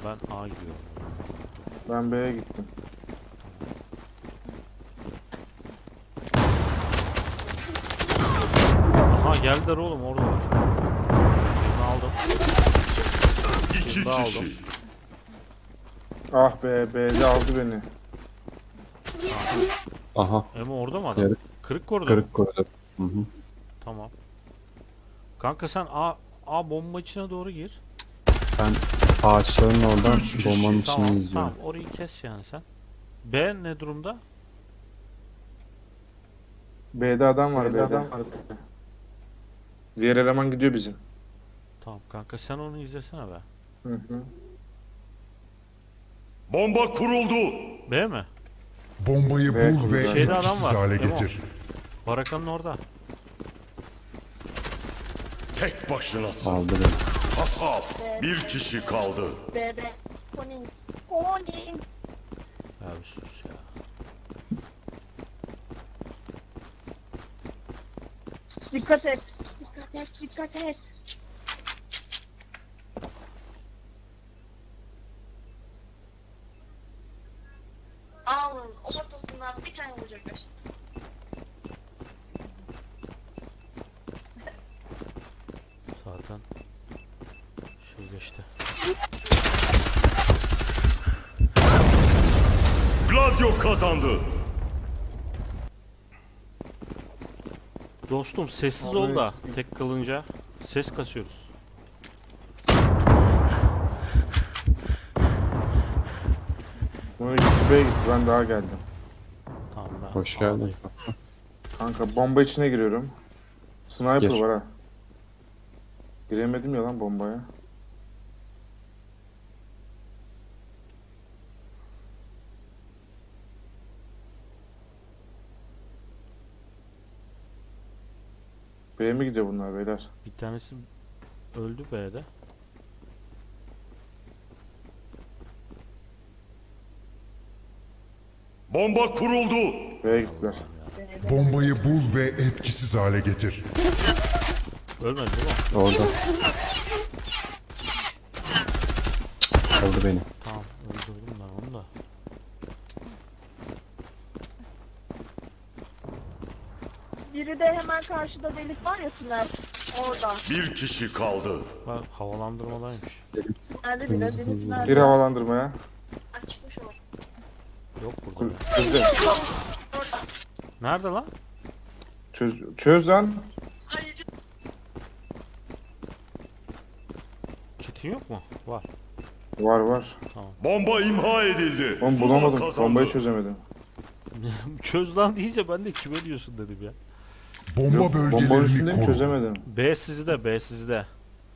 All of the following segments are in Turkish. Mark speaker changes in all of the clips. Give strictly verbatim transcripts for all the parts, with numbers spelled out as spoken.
Speaker 1: ben A gidiyorum.
Speaker 2: Ben B'ye gittim.
Speaker 1: Aha geldiler oğlum, orada var. Birini aldım.
Speaker 3: İki
Speaker 1: Birini daha aldım.
Speaker 3: kişi.
Speaker 2: Ah be, B'de aldı beni.
Speaker 4: Aha.
Speaker 1: Emo orada mı adam?
Speaker 4: Yarı
Speaker 1: Kırık koridor.
Speaker 4: kırık koridor. Hı hı.
Speaker 1: Tamam. Kanka sen A, A bomba içine doğru gir.
Speaker 4: Ben ağaçların oradan
Speaker 3: Üç kişi.
Speaker 4: bombanın içini
Speaker 1: Tamam
Speaker 4: izliyorum.
Speaker 1: tamam, orayı kes yani sen. B ne durumda?
Speaker 2: B'de adam var, B'de adam var. Diğer eleman gidiyor bizim.
Speaker 1: Tamam kanka, sen onu izlesene be.
Speaker 2: Hı hı.
Speaker 3: Bomba kuruldu.
Speaker 1: B mi?
Speaker 5: Bombayı
Speaker 2: Ve
Speaker 5: bul ve
Speaker 2: kurulu.
Speaker 1: Şeyde adam
Speaker 5: etkisiz
Speaker 1: var,
Speaker 5: hale
Speaker 1: Emo.
Speaker 5: getir.
Speaker 1: Barakanın orada.
Speaker 3: Tek başınasın.
Speaker 4: Aldı beni.
Speaker 3: Kasap. Bir kişi kaldı.
Speaker 6: Bebe. Pony. Pony.
Speaker 1: Ya bir sus ya.
Speaker 6: Dikkat et. Dikkat et. Dikkat et. Alın. Ortasından bir tane vuracaklar.
Speaker 1: Zaten şey geçti.
Speaker 3: Gladio kazandı.
Speaker 1: Dostum sessiz ol da tek kalınca ses kasıyoruz.
Speaker 2: Bunun ikisi B'ye gitti, ben daha geldim.
Speaker 1: Tamam ben.
Speaker 4: Hoş geldin.
Speaker 1: A'dayım.
Speaker 2: Kanka bomba içine giriyorum. Sniper
Speaker 4: Gir.
Speaker 2: var ha. Giremedim ya lan bombaya. B'ye mi gidiyor bunlar beyler?
Speaker 1: Bir tanesi öldü B'de.
Speaker 3: Bomba kuruldu.
Speaker 2: B'ye gittiler.
Speaker 5: Bombayı bul ve etkisiz hale getir.
Speaker 1: Ölmedi değil mi?
Speaker 4: Orada. Aldı beni.
Speaker 1: Tamam, öldürdüm ben onu da.
Speaker 6: Biri de hemen karşıda delik var ya, tünel. Orada.
Speaker 3: Bir kişi kaldı.
Speaker 1: Bak havalandırmadaymış.
Speaker 6: Nerede bile delik
Speaker 2: Bir
Speaker 6: tünelde.
Speaker 2: havalandırmaya.
Speaker 6: Açıkmış o.
Speaker 1: Yok burada.
Speaker 2: Çöz,
Speaker 1: Nerede lan?
Speaker 2: çöz, çöz lan.
Speaker 6: Ayrıca
Speaker 1: Kitin yok mu? Var.
Speaker 2: Var var.
Speaker 3: Bomba imha edildi.
Speaker 2: Oğlum
Speaker 3: Zula
Speaker 2: bulamadım.
Speaker 3: kazandı.
Speaker 2: Bombayı çözemedim.
Speaker 1: Çöz lan deyince ben de kime diyorsun dedim ya.
Speaker 5: Bomba
Speaker 2: Yok, bombanın
Speaker 5: bölgelerini
Speaker 2: üstündeyim,
Speaker 5: koru.
Speaker 2: çözemedim.
Speaker 1: B sizde, B sizde.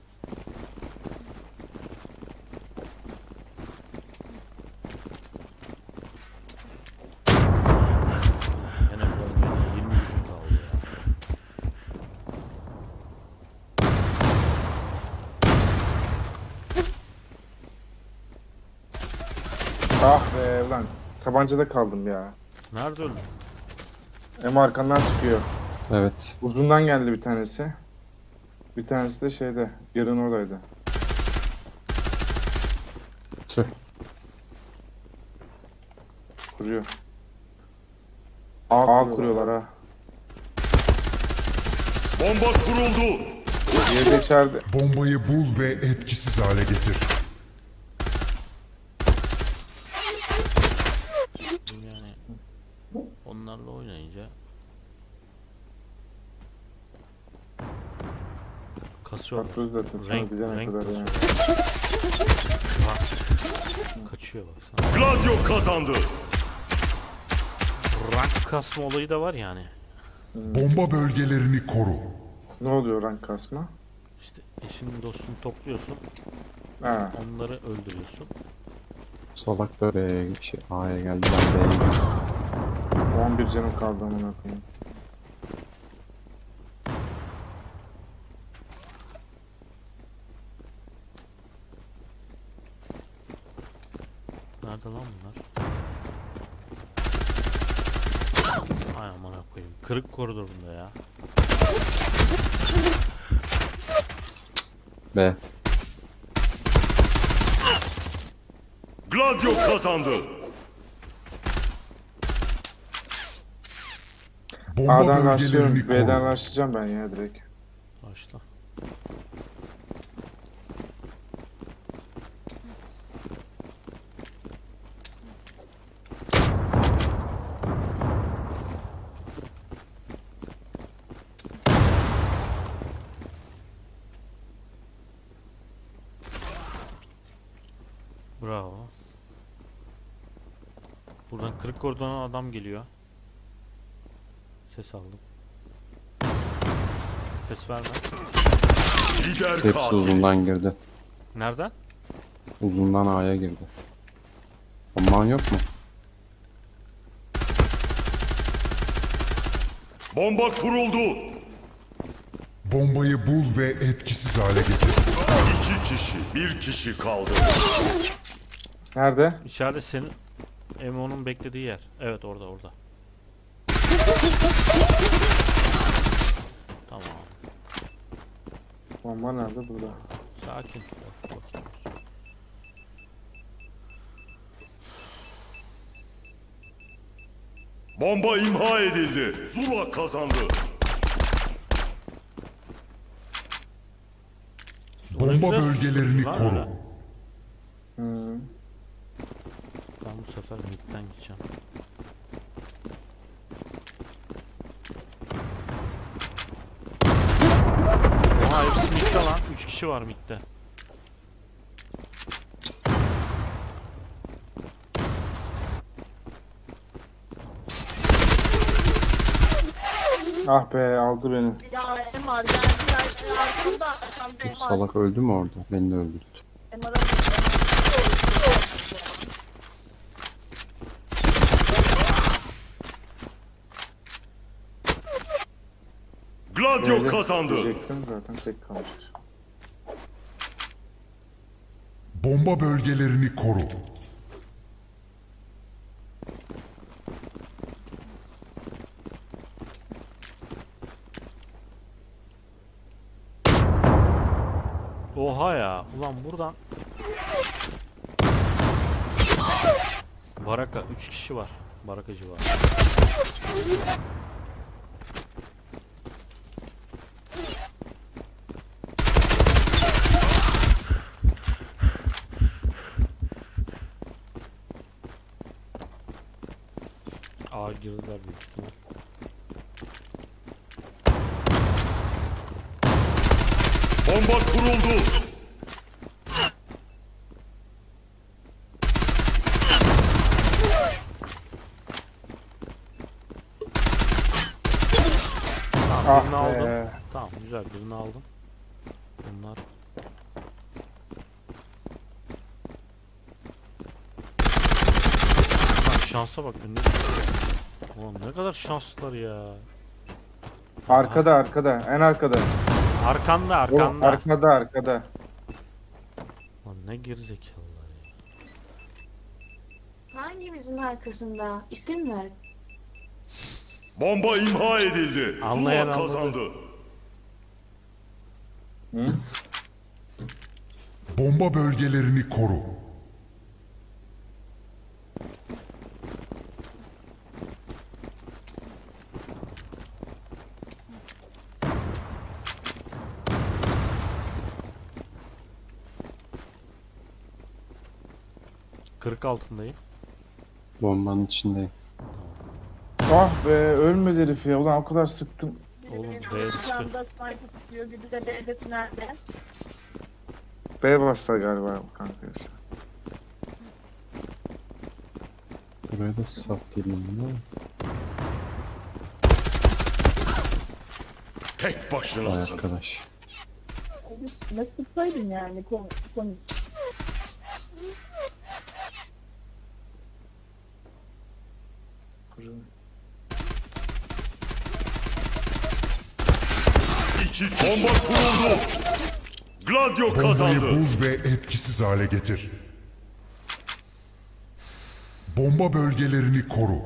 Speaker 1: Yine bombayla yirmi gücüm kaldı ya.
Speaker 2: Ah be lan. Tabancada kaldım ya.
Speaker 1: Nerede öldün?
Speaker 2: Hem arkandan çıkıyor.
Speaker 4: Evet.
Speaker 2: Uzundan geldi bir tanesi. Bir tanesi de şeyde. Yarın oradaydı.
Speaker 4: Tüh.
Speaker 2: Kuruyor. A, A kuruyorlar ha.
Speaker 3: Bomba kuruldu.
Speaker 2: Diğeri de içeride.
Speaker 5: Bombayı bul ve etkisiz hale getir.
Speaker 1: Yani onlarla oynayınca kasıyor.
Speaker 2: Bakıyoruz zaten. Sana
Speaker 1: Renk,
Speaker 2: bize ne
Speaker 1: renk
Speaker 2: kadar
Speaker 1: kasıyor.
Speaker 2: yani.
Speaker 1: Bak, kaçıyor baksana.
Speaker 3: Gladio kazandı.
Speaker 1: Rank kasma olayı da var yani.
Speaker 5: Bomba bölgelerini koru.
Speaker 2: Ne oluyor rank kasma?
Speaker 1: İşte eşini dostunu topluyorsun,
Speaker 2: Ha.
Speaker 1: onları öldürüyorsun.
Speaker 4: Solak da B'ye şey, A'ya geldi. Ben B'ye gidiyorum.
Speaker 2: on bir canım kaldı amına koyayım.
Speaker 1: Nerede lan bunlar? Ay amına koyayım. Kırık koridorunda ya.
Speaker 4: B.
Speaker 3: Gladio kazandı.
Speaker 5: Bomba
Speaker 2: A'dan
Speaker 5: bölgelerini
Speaker 2: başlıyorum. B'den
Speaker 5: koru.
Speaker 2: başlayacağım ben ya direkt.
Speaker 1: Başla. Bravo. Buradan kırık kordona adam geliyor. Ses aldım. Ses verme.
Speaker 3: Lider
Speaker 4: Hepsi
Speaker 3: katil.
Speaker 4: uzundan girdi.
Speaker 1: Nereden?
Speaker 4: Uzundan A'ya girdi. Bomban yok mu?
Speaker 3: Bomba kuruldu.
Speaker 5: Bombayı bul ve etkisiz hale getir.
Speaker 3: İki kişi, bir kişi kaldı.
Speaker 2: Nerede?
Speaker 1: İçeride senin Emo'nun beklediği yer. Evet orada orada. Tamam.
Speaker 2: Bomba nerede? Burada.
Speaker 1: Sakin. Bak, bakayım.
Speaker 3: Bomba imha edildi. Zula kazandı.
Speaker 5: Bomba
Speaker 1: güzel
Speaker 5: bölgelerini
Speaker 1: var
Speaker 5: koru.
Speaker 1: ya.
Speaker 2: Hmm.
Speaker 1: Ben bu sefer midden gideceğim. Oha hepsi midde lan. üç kişi var midde.
Speaker 2: Ah be aldı beni.
Speaker 6: Ya M R geldi ya. Arkamda arkamda
Speaker 4: Bu
Speaker 6: M R.
Speaker 4: salak öldü mü orada? Beni de öldürdü.
Speaker 6: M R'a
Speaker 3: Gladio
Speaker 2: Böyle
Speaker 3: kazandı.
Speaker 2: diyecektim zaten tek kalmış.
Speaker 5: Bomba bölgelerini koru.
Speaker 1: Oha ya. Ulan buradan Baraka üç kişi var. Barakacı var. A girdiler büyük ihtimal.
Speaker 3: Bomba kuruldu.
Speaker 1: Tamam birini
Speaker 2: Ah
Speaker 1: aldım.
Speaker 2: be.
Speaker 1: Tamam güzel birini aldım. Bunlar Bak şansa bak önüne Ulan ne kadar şanslılar ya.
Speaker 2: Arkada arkada. En arkada.
Speaker 1: Arkanda
Speaker 2: Oğlum,
Speaker 1: arkanda.
Speaker 2: arkada arkada.
Speaker 1: Lan ne gerizekalılar ya.
Speaker 7: Hangimizin arkasında? İsim ver.
Speaker 3: Bomba imha edildi.
Speaker 1: Anlayan
Speaker 3: Zula
Speaker 1: anladı.
Speaker 3: kazandı.
Speaker 2: Hı?
Speaker 5: Bomba bölgelerini koru.
Speaker 1: kırk altındayım.
Speaker 4: Bombanın içindeyim.
Speaker 2: Ah be ölmedi herif ya. Ulan o kadar sıktım.
Speaker 1: Oğlum,
Speaker 6: Biri
Speaker 1: B'ye
Speaker 6: benim
Speaker 1: düştü.
Speaker 6: arkamda sniper tutuyor. Biri de B'de tünelde.
Speaker 2: B bastı galiba kanka.
Speaker 4: Buraya da satayım onu.
Speaker 3: Tek
Speaker 4: Vay
Speaker 3: başınasın.
Speaker 4: arkadaş.
Speaker 6: Ne tutsaydın yani konu. konu.
Speaker 3: İki bomba kuruldu. Gladio
Speaker 5: Bombayı
Speaker 3: kazandı.
Speaker 5: bul ve etkisiz hale getir. Bomba bölgelerini koru.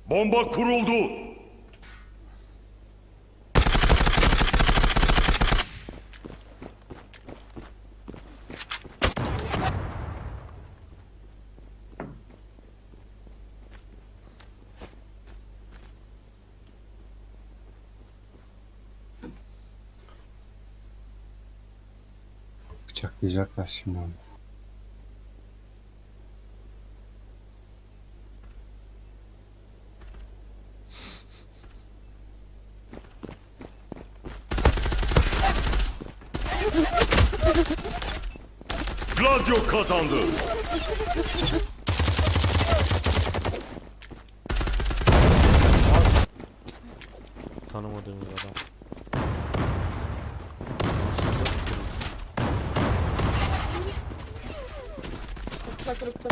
Speaker 3: Bomba kuruldu.
Speaker 4: Bıçaklayacaklar şimdi onu.
Speaker 3: Gladio kazandı.
Speaker 1: Tanımadığımız adam.
Speaker 6: Rıkta rıkta.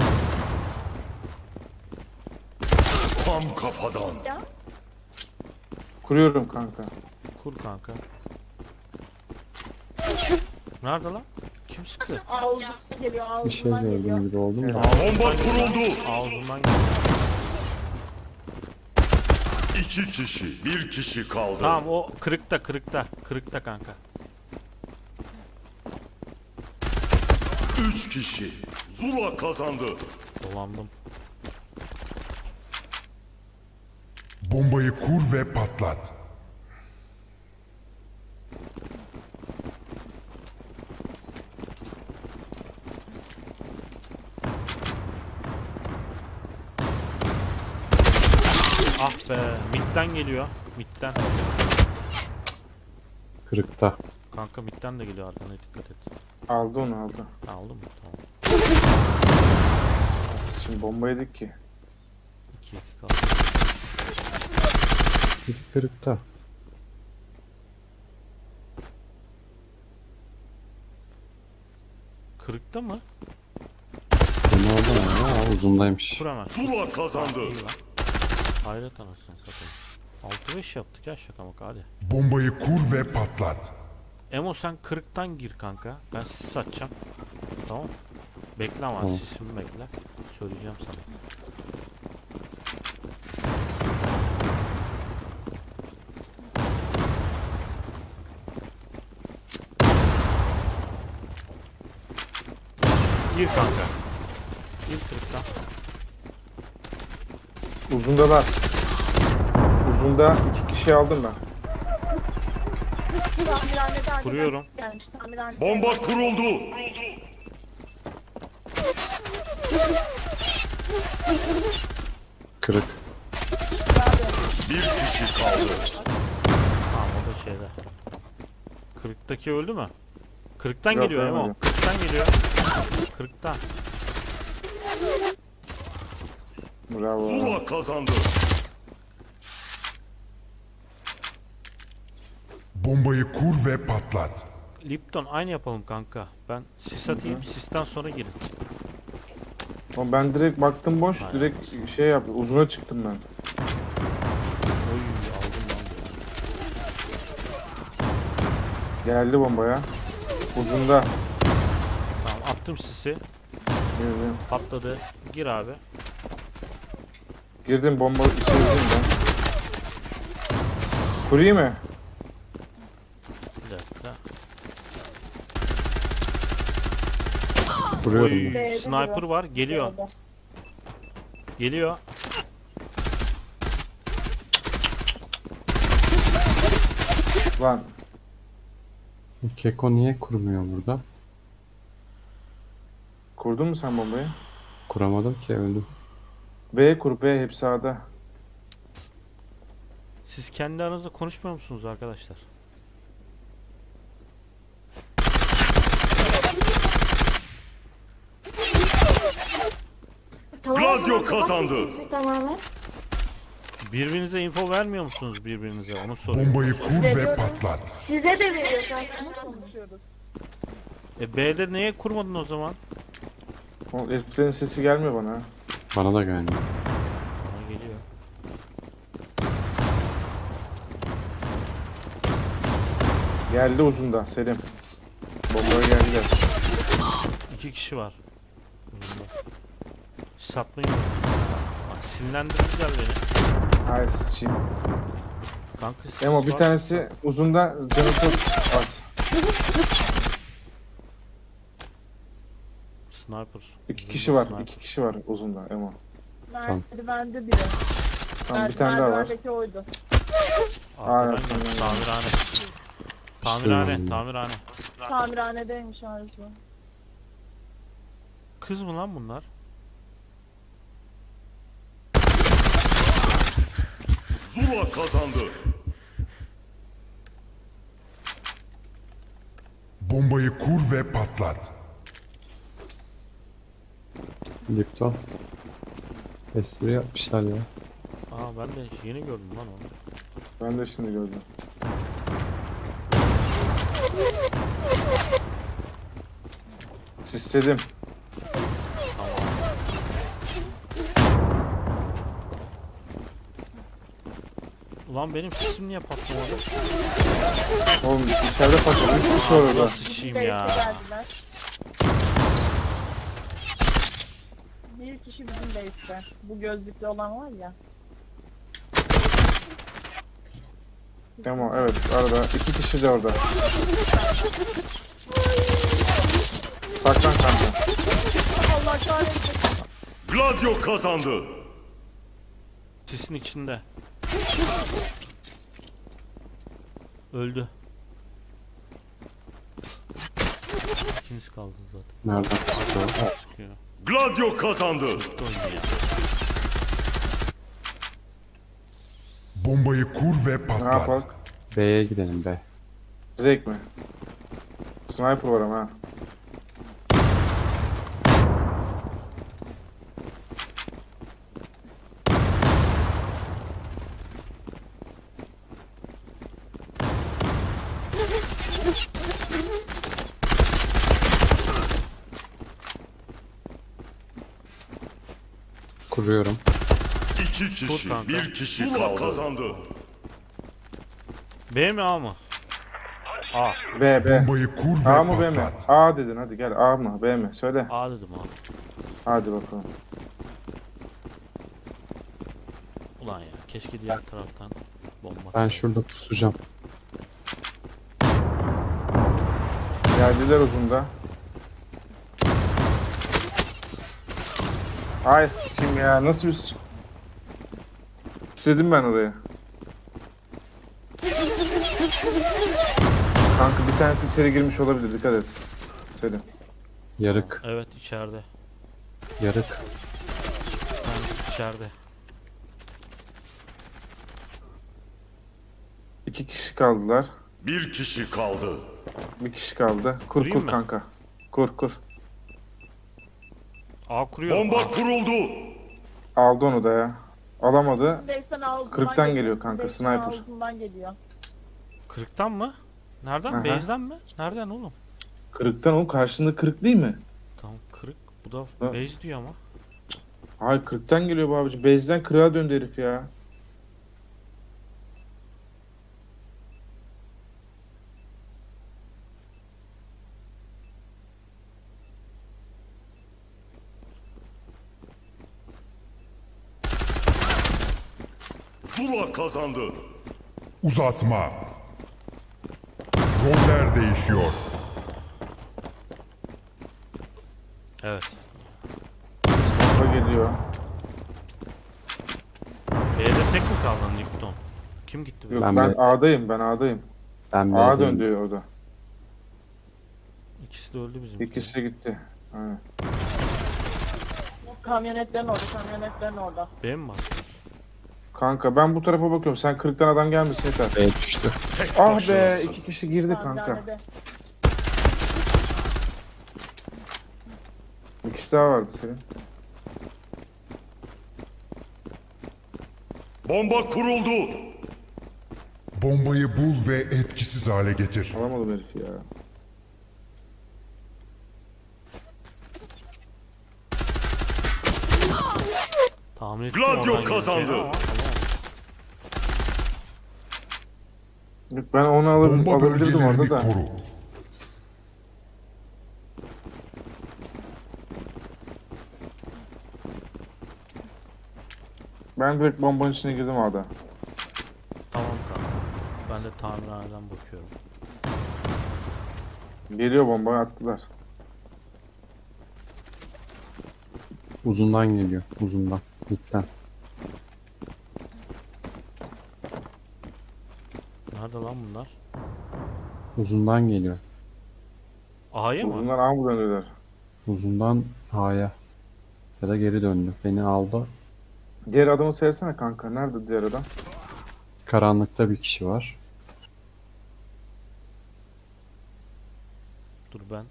Speaker 3: Tam kafadan.
Speaker 6: Ya.
Speaker 2: Kuruyorum kanka.
Speaker 1: Kur kanka. Nerede lan? Kim sıktı?
Speaker 6: Ağzından geliyor,
Speaker 4: Bir şey
Speaker 6: ağzından geliyor.
Speaker 4: gördüm gibi oldum da.
Speaker 3: Bomba kuruldu.
Speaker 1: Ağzından geldi.
Speaker 3: İki kişi, bir kişi kaldı.
Speaker 1: Tamam o kırıkta kırıkta. Kırıkta kanka.
Speaker 3: Üç kişi. Zula kazandı.
Speaker 1: Dolandım.
Speaker 5: Bombayı kur ve patlat.
Speaker 1: Ah be. Mid'den geliyor. Mid'den.
Speaker 4: Kırıkta.
Speaker 1: Kanka mid'den de geliyor arkana dikkat et.
Speaker 2: Aldı onu aldı.
Speaker 1: Aldın mı? Tamam.
Speaker 2: Şimdi bomba yedik ki.
Speaker 1: iki iki kaldı.
Speaker 4: Biri kırıkta.
Speaker 1: Kırıkta mı?
Speaker 4: Beni orada mı ya? Uzundaymış.
Speaker 1: Kur hemen.
Speaker 3: Zula kazandı.
Speaker 1: İyi lan. Hayret anasını satayım. altı beş yaptık ya şaka maka hadi.
Speaker 5: Bombayı kur ve patlat.
Speaker 1: Emo sen kırıktan gir kanka. Ben sis satacağım. Tamam. Bekle ama
Speaker 4: Tamam.
Speaker 1: sisimi bekle. Söyleyeceğim sana. Gir kanka. Gir kırıktan.
Speaker 2: Uzundalar. Uzunda iki kişi aldım ben.
Speaker 6: Tamirhaneden
Speaker 1: Kuruyorum.
Speaker 6: gelmiş, tamirhaneden.
Speaker 3: Bomba kuruldu.
Speaker 4: Kırık.
Speaker 3: Bir kişi kaldı.
Speaker 1: Tamam o da şeyde. Kırıktaki öldü mü? Kırıktan
Speaker 2: Yok,
Speaker 1: geliyor Emo.
Speaker 2: ölmedi.
Speaker 1: Kırıktan geliyor. Kırıktan.
Speaker 2: Bravo.
Speaker 3: Zula kazandı.
Speaker 5: Bombayı kur ve patlat.
Speaker 1: Lipton aynı yapalım kanka. Ben sis atayım. Sisten sonra girin.
Speaker 2: Ama ben direkt baktım boş.
Speaker 1: Aynen.
Speaker 2: Direkt şey yaptım. Uzuna çıktım ben.
Speaker 1: Oy aldım lan.
Speaker 2: Geldi bombaya. Uzunda.
Speaker 1: Tamam attım sisi.
Speaker 2: Girdim.
Speaker 1: Patladı. Gir abi.
Speaker 2: Girdim bomba içeri girdim ben. Kurayım mı?
Speaker 1: Bir dakika.
Speaker 4: Vuruyorum
Speaker 1: Oy,
Speaker 4: ben.
Speaker 6: B'de
Speaker 1: sniper
Speaker 6: duruyor.
Speaker 1: var. Geliyor.
Speaker 6: B'de.
Speaker 1: Geliyor.
Speaker 2: Lan.
Speaker 4: Keko niye kurmuyor burada?
Speaker 2: Kurdun mu sen bombayı?
Speaker 4: Kuramadım ki öldüm.
Speaker 2: B kur B hep sağda.
Speaker 1: Siz kendi aranızda konuşmuyor musunuz arkadaşlar?
Speaker 7: Tamamen
Speaker 3: Gladio
Speaker 7: kapat
Speaker 3: kazandı.
Speaker 7: sesimizi tamamen.
Speaker 1: Birbirinize info vermiyor musunuz birbirinize? Onu soruyorum.
Speaker 5: Bombayı kur ve patlat.
Speaker 7: Size de veriyor zaten.
Speaker 6: Konuşuyoruz.
Speaker 1: E B'de neye kurmadın o zaman?
Speaker 2: O heriflerin sesi gelmiyor bana. ha.
Speaker 4: Bana da gelmiyor.
Speaker 1: Bana geliyor.
Speaker 2: Geldi uzunda Selim. Bombaya geldi.
Speaker 1: İki kişi var. Satmayın. Bak silah Sinirlendirdiler beni.
Speaker 2: Ay sıçayım.
Speaker 1: Kanka sis
Speaker 2: Emo bir
Speaker 1: var.
Speaker 2: tanesi uzunda canı çok az.
Speaker 1: Sniper.
Speaker 2: İki kişi var.
Speaker 1: Sniper.
Speaker 2: iki kişi var uzunda Emo.
Speaker 6: Merdivende biri.
Speaker 2: Tamam bir tane daha var.
Speaker 6: Merdivendeki oydu.
Speaker 1: Arkadan
Speaker 2: Aynen,
Speaker 1: geldi.
Speaker 2: aynen.
Speaker 1: Tamirhane.
Speaker 4: İşte
Speaker 1: Tamirhane.
Speaker 4: yani.
Speaker 1: Tamirhane.
Speaker 6: Tamirhanedeymiş Arzu.
Speaker 1: Kız mı lan bunlar?
Speaker 3: Zula kazandı.
Speaker 5: Bombayı kur ve patlat.
Speaker 4: Lipton. Espri yapmışlar ya.
Speaker 1: Aa ben de yeni gördüm lan onu.
Speaker 2: Ben de şimdi gördüm. Sisledim.
Speaker 1: Ulan benim sesim niye patlamadı?
Speaker 2: Oğlum içeride patladı. Üç kişi var orada.
Speaker 1: Nasıl sıçayım
Speaker 6: Base'e
Speaker 1: ya?
Speaker 6: geldiler. Bir kişi bizim base'te. Bu gözlüklü olan var ya.
Speaker 2: Emo evet arada. iki kişi de orada. Saklan kanka.
Speaker 6: Allah kahretsin.
Speaker 3: Gladio kazandı.
Speaker 1: Sisin içinde. Öldü. İkiniz kaldı zaten.
Speaker 4: Nereden sıkıyor?
Speaker 1: Sıkıyor.
Speaker 3: Gladio kazandı.
Speaker 1: Öldü ya.
Speaker 5: Bombayı kur ve
Speaker 2: Ne
Speaker 5: patlat.
Speaker 2: yapalım?
Speaker 4: B'ye gidelim be.
Speaker 2: Direkt mi? Sniper var ama ha.
Speaker 4: Kuruyorum.
Speaker 3: İki kişi,
Speaker 1: Dur kanka.
Speaker 3: bir kişi Zula kazandı.
Speaker 1: B mi A mı? A.
Speaker 2: B B.
Speaker 5: Bombayı kur ve
Speaker 2: A mı B mi?
Speaker 5: patlat.
Speaker 2: A dedin hadi gel A mı B mi? Söyle.
Speaker 1: A dedim abi.
Speaker 2: Hadi bakalım.
Speaker 1: Ulan ya keşke diğer taraftan bomba.
Speaker 4: Ben şurada pusacağım.
Speaker 2: Geldiler uzunda. Ay sıçayım ya nasıl bir s- İstedim ben oraya. Kanka bir tanesi içeri girmiş olabilir dikkat et. Selim.
Speaker 4: Yarık.
Speaker 1: Evet içeride.
Speaker 4: Yarık.
Speaker 1: Ben içeride.
Speaker 2: İki kişi kaldılar.
Speaker 3: Bir kişi kaldı.
Speaker 2: Bir kişi kaldı. Kur
Speaker 1: Kurayım
Speaker 2: kur
Speaker 1: mı?
Speaker 2: kanka. Kur kur.
Speaker 1: A kuruyor.
Speaker 3: Bomba kuruldu.
Speaker 2: Aldı onu da ya. Alamadı.
Speaker 6: Base'den ağzından
Speaker 2: Kırktan geliyor kanka,
Speaker 6: Base'den
Speaker 2: sniper.
Speaker 6: ağzından geliyor.
Speaker 1: Kırıktan mı? Nereden?
Speaker 2: Aha.
Speaker 1: Base'den mi? Nereden oğlum?
Speaker 2: Kırıktan oğlum karşında kırık değil mi?
Speaker 1: Tamam kırık. Bu da
Speaker 2: Ha.
Speaker 1: base diyor ama.
Speaker 2: Hayır kırıktan geliyor bu abici. Base'den kırığa döndü herif ya.
Speaker 3: Zula kazandı.
Speaker 5: Uzatma. Roller değişiyor.
Speaker 1: Evet.
Speaker 2: Safa geliyor.
Speaker 1: B'de tek mi kaldın Lipton? Kim gitti?
Speaker 2: Yok
Speaker 4: Ben
Speaker 2: ben,
Speaker 4: B-
Speaker 2: A'dayım ben A'dayım.
Speaker 4: Ben
Speaker 2: A
Speaker 4: B'deyim.
Speaker 2: döndü orada.
Speaker 1: İkisi de öldü bizim.
Speaker 2: İkisi de gitti. Aynen.
Speaker 6: Kamyonetlerin orada, kamyonetlerin orada.
Speaker 1: B mi var?
Speaker 2: Kanka ben bu tarafa bakıyorum. Sen kırıktan adam gelmesin yeter.
Speaker 4: B düştü.
Speaker 3: Tek
Speaker 2: Ah be
Speaker 3: başınasın.
Speaker 2: iki kişi girdi kanka.
Speaker 6: Tamirhanede.
Speaker 2: İkisi daha vardı senin.
Speaker 3: Bomba kuruldu.
Speaker 5: Bombayı bul ve etkisiz hale getir.
Speaker 2: Alamadım herifi ya.
Speaker 1: Tahmin ettim
Speaker 3: Gladio
Speaker 1: oradan
Speaker 3: kazandı.
Speaker 1: geleceğini ama alamadım.
Speaker 2: Yok, ben onu alırım,
Speaker 5: Bomba
Speaker 2: alabilirdim
Speaker 5: bölgelerini
Speaker 2: orada da.
Speaker 5: koru.
Speaker 2: Ben direkt bombanın içine girdim A'da.
Speaker 1: Tamam kanka. Ben de tamirhaneden bakıyorum.
Speaker 2: Geliyor bombayı attılar.
Speaker 4: Uzundan geliyor. Uzundan. Midden.
Speaker 1: Nerede lan bunlar?
Speaker 4: Uzundan geliyor.
Speaker 1: A'ya mı?
Speaker 2: Bunlar A mı dönüyorlar?
Speaker 4: Uzundan A'ya. Ya da geri döndü. Beni aldı.
Speaker 2: Diğer adamı seyresene kanka. Nerede diğer adam?
Speaker 4: Karanlıkta bir kişi var.
Speaker 1: Dur ben.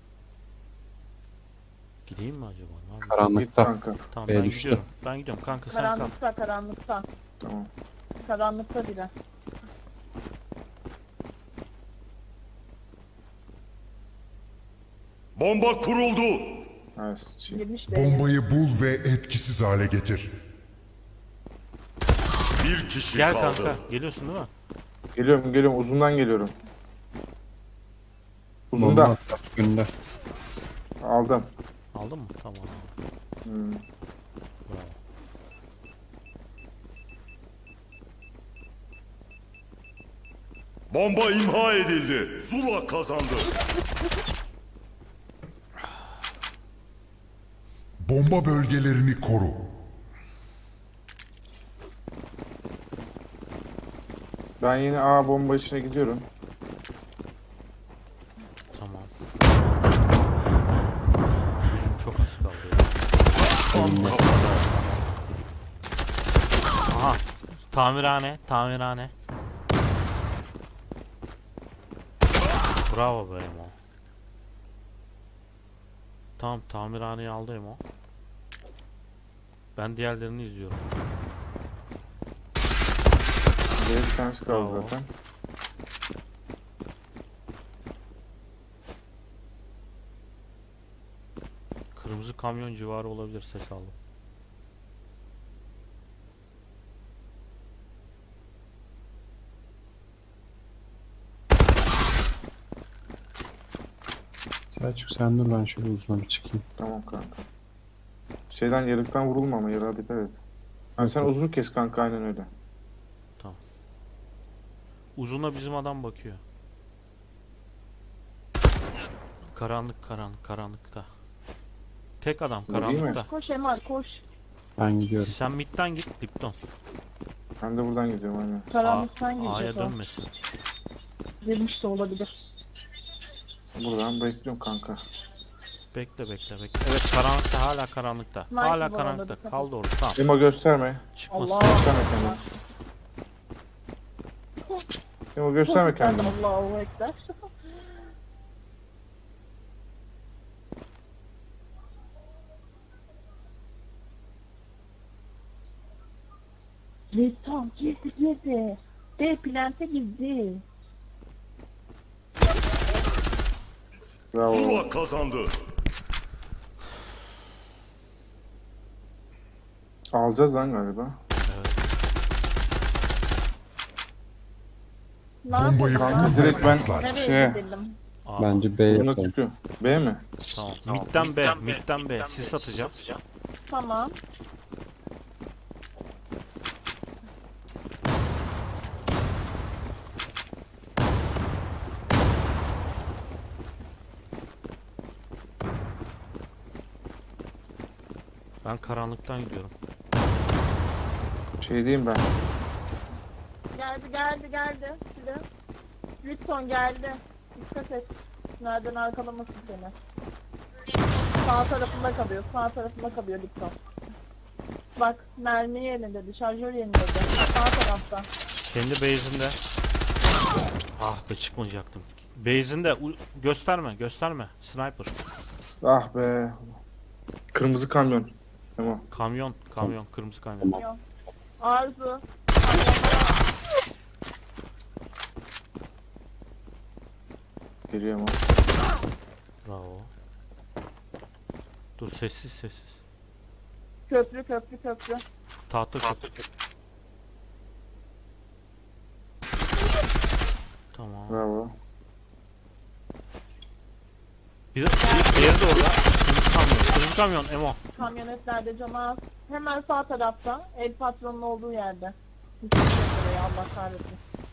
Speaker 1: Gideyim mi acaba? Ne yapayım?
Speaker 2: Git
Speaker 4: Karanlıkta.
Speaker 2: kanka.
Speaker 1: Tamam
Speaker 4: B'ye
Speaker 1: ben
Speaker 4: düştü.
Speaker 1: gidiyorum. Ben gidiyorum kanka sen kal.
Speaker 6: Karanlıkta, karanlıkta.
Speaker 2: Tamam.
Speaker 6: Karanlıkta biri.
Speaker 3: Bomba kuruldu.
Speaker 2: Nice.
Speaker 6: Girmiş de.
Speaker 5: Bombayı bul ve etkisiz hale getir.
Speaker 3: Bir kişi
Speaker 1: Gel
Speaker 3: kaldı.
Speaker 1: kanka. Geliyorsun değil mi?
Speaker 2: Geliyorum geliyorum. Uzundan geliyorum.
Speaker 4: Bomba
Speaker 2: Uzundan.
Speaker 4: attı. Önünde.
Speaker 2: Aldım.
Speaker 1: Aldın mı? Tamam.
Speaker 2: Hmm.
Speaker 1: Bravo.
Speaker 3: Bomba imha edildi. Zula kazandı.
Speaker 5: Bomba bölgelerini koru.
Speaker 2: Ben yine A bomba içine gidiyorum.
Speaker 1: Tamam. Gücüm çok az kaldı ya. Tam kafada. Aha. Tamirhane, tamirhane. Bravo be Emo. Tamam, tamirhaneyi aldı Emo. Ben diğerlerini izliyorum.
Speaker 2: Bir tanesi kaldı
Speaker 1: Bravo.
Speaker 2: zaten.
Speaker 1: Kırmızı kamyon civarı olabilir, ses aldım.
Speaker 4: Selçuk sen dur, ben şöyle uzuna bir çıkayım.
Speaker 2: Tamam kanka. Şeyden yarıktan vurulma ama yara dikkat et. Yani sen uzun kes kanka aynen öyle.
Speaker 1: Uzuna bizim adam bakıyor. Karanlık, karanlık, karanlıkta. Tek adam
Speaker 2: Bu değil mi?
Speaker 1: karanlıkta.
Speaker 6: Koş Emal koş.
Speaker 4: Ben gidiyorum.
Speaker 1: Sen midden git Lipton.
Speaker 2: Ben de buradan gidiyorum aynen.
Speaker 6: Karanlıktan
Speaker 1: A- A'ya
Speaker 6: girecek o.
Speaker 1: dönmesin.
Speaker 6: Girmiş de olabilir.
Speaker 2: Buradan bekliyorum kanka.
Speaker 1: Bekle bekle bekle. Evet, karanlıkta, hala karanlıkta.
Speaker 6: Sniper
Speaker 1: Hala
Speaker 6: var orada,
Speaker 1: karanlıkta.
Speaker 6: dikkat
Speaker 1: Kaldı orada. Tamam.
Speaker 2: Emo gösterme.
Speaker 1: Çıkmasın.
Speaker 6: Allah.
Speaker 2: Gösterme kendini. Emo gösterme kendini.
Speaker 6: Allahu Ekber. Lütfen girdi girdi. De plante girdi.
Speaker 2: Bravo.
Speaker 3: Zula kazandı.
Speaker 2: Alacağız lan galiba.
Speaker 6: Ne
Speaker 5: Bombayı
Speaker 6: yapalım?
Speaker 2: Kanka
Speaker 5: kur ve
Speaker 2: direkt ben
Speaker 5: patlat.
Speaker 6: Nereye
Speaker 2: şey
Speaker 6: gidelim?
Speaker 1: Aa,
Speaker 4: Bence B
Speaker 2: buna
Speaker 4: yapalım.
Speaker 2: çıkıyor. B mi?
Speaker 1: tamam. Midden B, midden B. Sis atacağım.
Speaker 6: Tamam.
Speaker 1: Ben karanlıktan gidiyorum.
Speaker 2: Şey diyeyim ben.
Speaker 6: Geldi geldi geldi. Size. Lütfen geldi. Dikkat et. Nereden arkalamasın seni. Sağ tarafında kalıyor. Sağ tarafında kalıyor Lütfen. Bak mermi yerinde, şarjör yerinde. Sağ tarafta.
Speaker 1: Kendi base'inde. Ah be, çıkmayacaktım. Base'inde u- gösterme, gösterme. Sniper.
Speaker 2: Ah be. Kırmızı kamyon. Emo.
Speaker 1: Kamyon, kamyon, kırmızı kamyon.
Speaker 6: Yok. Arzu.
Speaker 2: Geliyor Emo.
Speaker 1: Bravo. Dur, sessiz sessiz.
Speaker 6: Köprü köprü köprü.
Speaker 1: Tahta köprü. Tamam.
Speaker 2: Bravo.
Speaker 1: Bir, bir diğeri de orada. Kırmızı kamyon, kırmızı Kur kamyon Emo.
Speaker 6: Kamyonetlerde canı az. Hemen sağ tarafta. El patronun olduğu yerde. Hiç oraya, Allah kahretsin.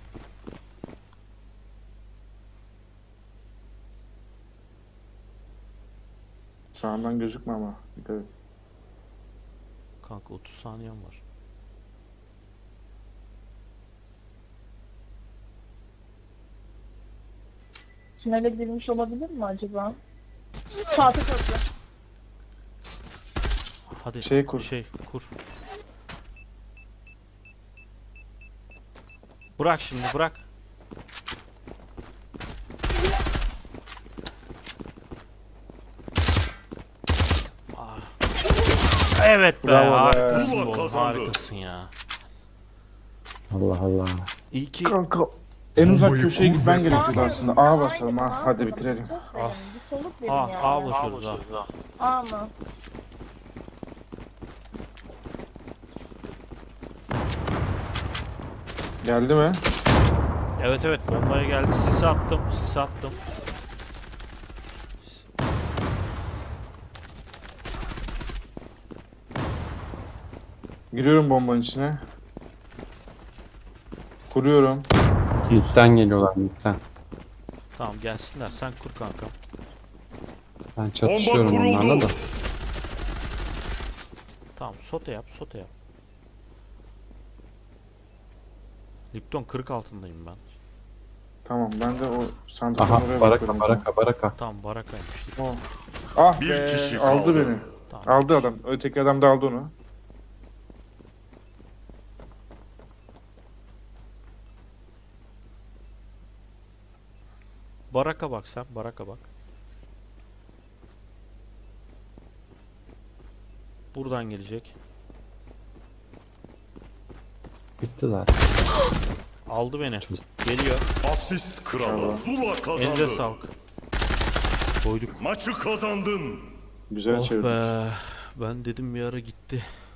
Speaker 2: Sağından gözükme ama. Dikkat et.
Speaker 1: Kanka otuz saniyem var.
Speaker 6: Tünele girmiş olabilir mi acaba? Sağ köprü.
Speaker 1: Hadi
Speaker 2: Şey kur.
Speaker 1: Şey kur. Bırak şimdi bırak. Ah. Evet be,
Speaker 2: Bravo be.
Speaker 1: harikasın
Speaker 3: Zula
Speaker 1: oğlum,
Speaker 3: kazandı.
Speaker 1: harikasın ya.
Speaker 4: Allah Allah.
Speaker 1: İyi ki
Speaker 2: Kanka. En uzak
Speaker 5: Bombayı
Speaker 2: köşeye
Speaker 5: kur
Speaker 2: gitmen
Speaker 5: ve-
Speaker 2: gerekiyordu aslında. A basalım ha. Hadi bitirelim.
Speaker 1: Ah.
Speaker 6: Bir soluk verin
Speaker 1: A,
Speaker 6: yani.
Speaker 1: A basıyoruz ha.
Speaker 6: A mı?
Speaker 2: Geldi mi?
Speaker 1: Evet evet, bombaya geldi. Sis attım, sis attım.
Speaker 2: Giriyorum bombanın içine. Kuruyorum.
Speaker 4: Mid'den geliyorlar mid'den.
Speaker 1: Tamam gelsinler, sen kur kanka.
Speaker 4: Ben çatışıyorum
Speaker 3: Bomba kuruldu.
Speaker 4: onlarla da.
Speaker 1: Tamam, sote yap, sote yap. Lipton kırk altındayım ben.
Speaker 2: Tamam ben de o sandıktan
Speaker 4: Aha
Speaker 2: oraya
Speaker 4: baraka
Speaker 2: bakıyorum.
Speaker 4: baraka baraka.
Speaker 1: Tamam, barakaymış.
Speaker 2: Oh. Ah
Speaker 3: Bir
Speaker 2: be,
Speaker 3: kişi
Speaker 2: aldı
Speaker 3: kaldı.
Speaker 2: beni.
Speaker 1: Tamam.
Speaker 2: Aldı adam. Öteki adam da aldı onu.
Speaker 1: Baraka bak sen, baraka bak. Buradan gelecek.
Speaker 4: Bitti zaten.
Speaker 1: Aldı beni. Geliyor.
Speaker 3: Asist kralı. Zula kazandı.
Speaker 1: Elinize sağlık. Koyduk.
Speaker 3: Maçı kazandın.
Speaker 2: Güzel
Speaker 1: Oh
Speaker 2: çevirdik.
Speaker 1: be. Ben dedim bir ara gitti.